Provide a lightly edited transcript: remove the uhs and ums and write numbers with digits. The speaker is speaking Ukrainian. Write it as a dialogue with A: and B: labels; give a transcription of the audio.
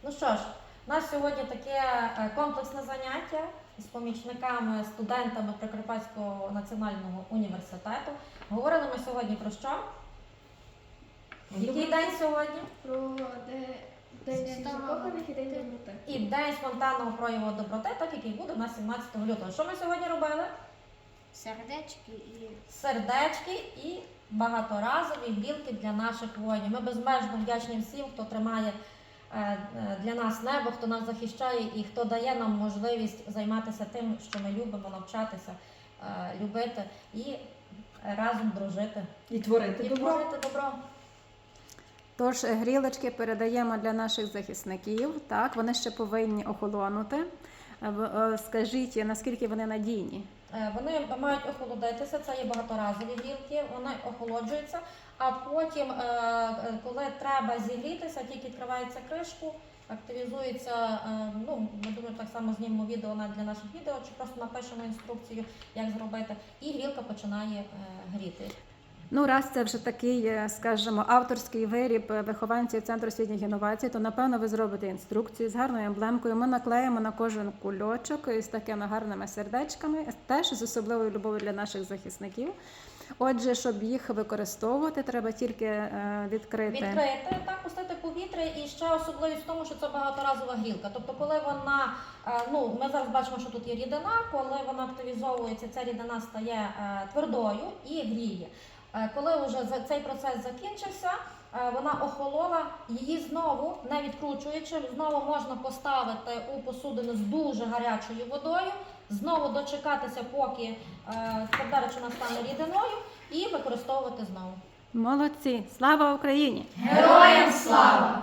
A: Ну що ж, у нас сьогодні таке комплексне заняття з помічниками, студентами Прикарпатського національного університету. Говорили ми сьогодні про що? Який день сьогодні?
B: Про День закоханих і День доброти.
A: І День спонтанного прояву доброти, так який буде у нас 17 лютого. Що ми сьогодні робили? Сердечки і багаторазові білки для наших воїнів. Ми безмежно вдячні всім, хто тримає для нас небо, хто нас захищає і хто дає нам можливість займатися тим, що ми любимо, навчатися, любити і разом дружити.
C: І творити
A: добро.
D: Тож грілочки передаємо для наших захисників. Так, вони ще повинні охолонути. Скажіть, наскільки вони надійні?
A: Вони мають охолодитися, це є багаторазові гілки, вони охолоджуються, а потім, коли треба зігрітися, тільки відкривається кришку, активізується, ми думаю, так само знімемо відео для наших відео, чи просто напишемо інструкцію, як зробити, і грілка починає гріти.
D: Ну, раз це вже такий, скажімо, авторський виріб вихованців Центру освітніх інновацій, то, напевно, ви зробите інструкцію з гарною емблемкою. Ми наклеїмо на кожен кульочок із такими гарними сердечками, теж з особливою любов'ю для наших захисників. Отже, щоб їх використовувати, треба тільки відкрити,
A: так, пустити повітря, і ще особливість в тому, що це багаторазова грілка. Тобто, коли вона, ми зараз бачимо, що тут є рідина, коли вона активізовується, ця рідина стає твердою і гріє. Коли вже цей процес закінчився, вона охолола, її знову, не відкручуючи, знову можна поставити у посудину з дуже гарячою водою, знову дочекатися, поки тверда речовина стане рідиною, і використовувати знову.
D: Молодці! Слава Україні!
A: Героям слава!